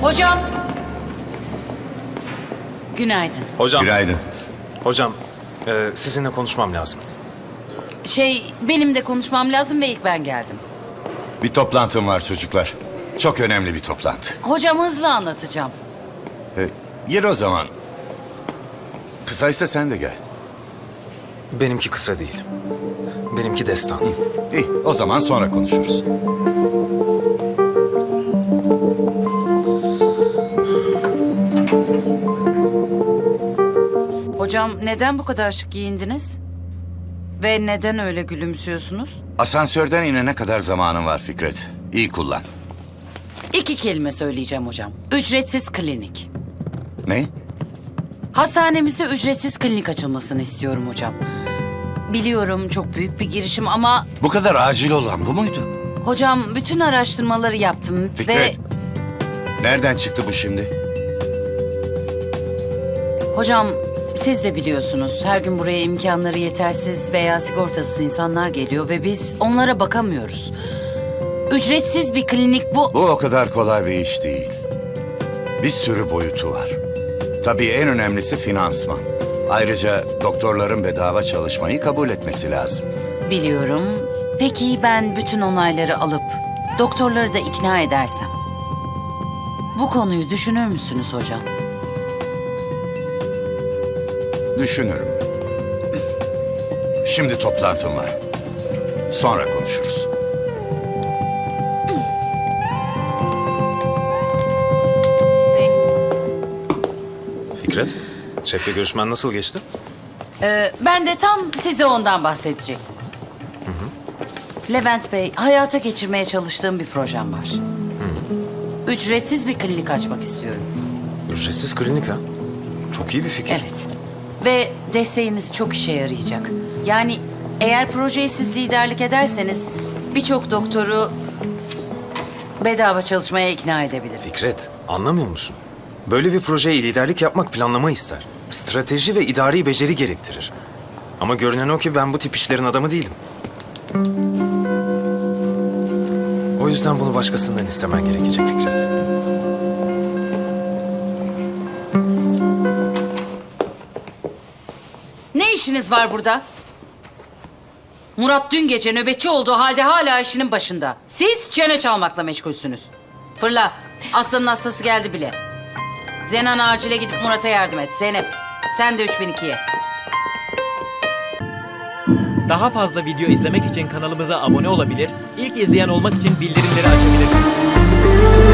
Hocam. Günaydın. Hocam. Günaydın. Hocam, sizinle konuşmam lazım. Benim de konuşmam lazım ve ilk ben geldim. Bir toplantım var çocuklar. Çok önemli bir toplantı. Hocam hızlı anlatacağım. Gir o zaman. Kısaysa sen de gel. Benimki kısa değil. Benimki destan. İyi, o zaman sonra konuşuruz. Hocam neden bu kadar şık giyindiniz? Ve neden öyle gülümsüyorsunuz? Asansörden inene kadar zamanın var Fikret. İyi kullan. 2 kelime söyleyeceğim hocam. Ücretsiz klinik. Ne? Hastanemizde ücretsiz klinik açılmasını istiyorum hocam. Biliyorum çok büyük bir girişim ama... Bu kadar acil olan bu muydu? Hocam bütün araştırmaları yaptım Fikret. Nereden çıktı bu şimdi? Hocam siz de biliyorsunuz her gün buraya imkanları yetersiz veya sigortasız insanlar geliyor ve biz onlara bakamıyoruz. Ücretsiz bir klinik bu. Bu o kadar kolay bir iş değil. Bir sürü boyutu var. Tabii en önemlisi finansman. Ayrıca doktorların bedava çalışmayı kabul etmesi lazım. Biliyorum. Peki ben bütün onayları alıp doktorları da ikna edersem? Bu konuyu düşünür müsünüz hocam? Düşünürüm. Şimdi toplantım var. Sonra konuşuruz. Fikret, şefle görüşmen nasıl geçti? Ben de tam size ondan bahsedecektim. Levent Bey, hayata geçirmeye çalıştığım bir projem var. Ücretsiz bir klinik açmak istiyorum. Ücretsiz klinik ha? Çok iyi bir fikir. Evet. Ve desteğiniz çok işe yarayacak. Yani eğer projeye siz liderlik ederseniz birçok doktoru bedava çalışmaya ikna edebilirim. Fikret, anlamıyor musun? Böyle bir projeye liderlik yapmak planlama ister. Strateji ve idari beceri gerektirir. Ama görünen o ki ben bu tip işlerin adamı değilim. O yüzden bunu başkasından istemen gerekecek Fikret. Ne işiniz var burada? Murat dün gece nöbetçi olduğu halde hala işinin başında. Siz çene çalmakla meşgulsünüz. Fırla. Aslanın hastası geldi bile. Zenan acile gidip Murat'a yardım et. Zeynep sen de 3002'ye. Daha fazla video izlemek için kanalımıza abone olabilir, ilk izleyen olmak için bildirimleri açabilirsiniz.